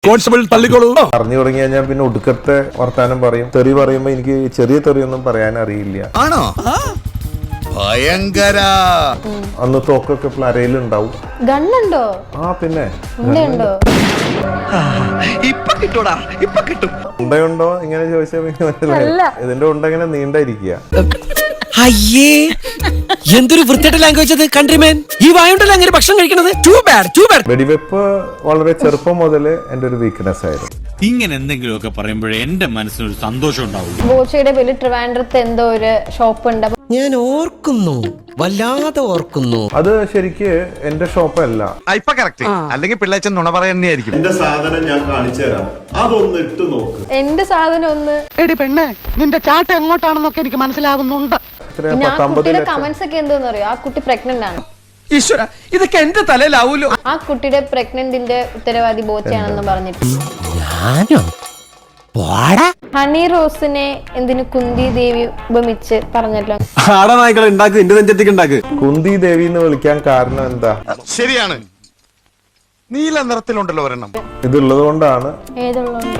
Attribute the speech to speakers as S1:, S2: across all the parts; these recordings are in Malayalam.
S1: കോൺസ്റ്റബിൾ തള്ളിക്കോളൂ.
S2: പറഞ്ഞു തുടങ്ങി കഴിഞ്ഞാൽ പിന്നെ ഒടുക്കത്തെ വർത്താനം പറയും. തെറി പറയുമ്പോ എനിക്ക് ചെറിയ തെറിയൊന്നും പറയാൻ അറിയില്ല.
S1: ആണോ? ഭയങ്കര.
S2: അന്ന് തോക്കൊക്കെ പ്ലരയിലുണ്ടാവും.
S3: ഗണ്ണുണ്ടോ?
S2: ആ പിന്നെ
S3: ഉണ്ടോ?
S1: ഇപ്പൊ കിട്ടൂടാ, ഇപ്പൊ കിട്ടും.
S2: ഉണ്ടയുണ്ടോ ഇങ്ങനെ ചോദിച്ചാൽ പിന്നെ മനസ്സിലായി. ഇതിന്റെ ഉണ്ട ഇങ്ങനെ നീണ്ടായിരിക്കുക.
S4: അയ്യേ, എന്തൊരു വൃത്തിയായിട്ട് ലാംഗ്വേജ് അത്. കൺട്രിമാൻ, ഈ വായുണ്ടല്ലോ അങ്ങനെ ഭക്ഷണം കഴിക്കണത്. Too bad.
S2: വെടിവെപ്പ് വളരെ ചെറുപ്പം മുതൽ എന്റെ ഒരു വീക്ക്നെസ് ആയിരുന്നു.
S5: ഇങ്ങനെ എന്തെങ്കിലുമൊക്കെ പറയുമ്പോഴേ എന്റെ മനസ്സിനൊരു സന്തോഷം ഉണ്ടാവുള്ളൂ.
S3: ബോച്ചയുടെ പേരിൽ ട്രിവാൻഡ്രത്ത് എന്തോ ഒരു ഷോപ്പ് ഉണ്ട്.
S4: ഞാൻ ഓർക്കുന്നു, വല്ലാതെ ഓർക്കുന്നു.
S2: അത് ശരിക്ക് എന്റെ ഷോപ്പല്ല.
S1: ഇപ്പൊ കറക്റ്റ്. അല്ലെങ്കിൽ പിള്ളേച്ചൻ നുണ പറയുന്നതായിരിക്കും.
S2: എന്റെ സാധനം ഞാൻ കാണിച്ചു തരാം, അതൊന്ന് ഇട്ട് നോക്ക്.
S3: എന്റെ സാധനം ഒന്ന്.
S6: എടി പെണ്ണെ, നിന്റെ ചാട്ട എങ്ങോട്ടാണെന്നൊക്കെ എനിക്ക് മനസ്സിലാകുന്നുണ്ട്.
S3: പിന്നെ ആ കുട്ടിയുടെ കമന്റ്സ് ഒക്കെ എന്തോന്ന് അറിയോ? ആ കുട്ടി പ്രഗ്നന്റ് ആണ്.
S4: ഈശ്വര, ഇതൊക്കെ എന്റെ തലയിലാവൂലോ.
S3: ആ കുട്ടിയുടെ പ്രഗ്നന്റിന്റെ ഉത്തരവാദി ബോച്ചയാണെന്ന് പറഞ്ഞിട്ട്
S4: ഞാനോ?
S3: ഹണി റോസിനെ എന്തിനു കുന്തി ദേവി ഉപമിച്ച് പറഞ്ഞല്ലോ.
S7: ആടനായ്ക്കളെ ഉണ്ടാക്ക്, എന്റെ നെഞ്ചത്തേക്ക് ഉണ്ടാക്ക്.
S2: കുന്തി ദേവി എന്ന് വിളിക്കാൻ കാരണം എന്താ?
S1: ശരിയാണ്, നീല നിറത്തിലുണ്ടല്ലോ ഒരെണ്ണം.
S2: ഇതുള്ളത് കൊണ്ടാണ്.
S3: ഏതുള്ളതുകൊണ്ട്?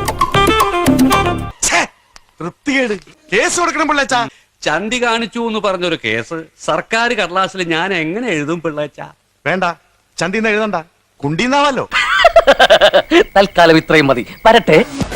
S1: വൃത്തികേട്. കേസ് കൊടുക്കണം പിള്ളേച്ചാ.
S8: ചന്തി കാണിച്ചു എന്ന് പറഞ്ഞൊരു കേസ് സർക്കാർ കടലാസിൽ ഞാൻ എങ്ങനെ എഴുതും പിള്ളേച്ച?
S1: വേണ്ട, ചന്തിന്ന് എഴുതണ്ട, കുണ്ടീന്നാവല്ലോ.
S8: തൽക്കാലം ഇത്രയും മതി. വരട്ടെ.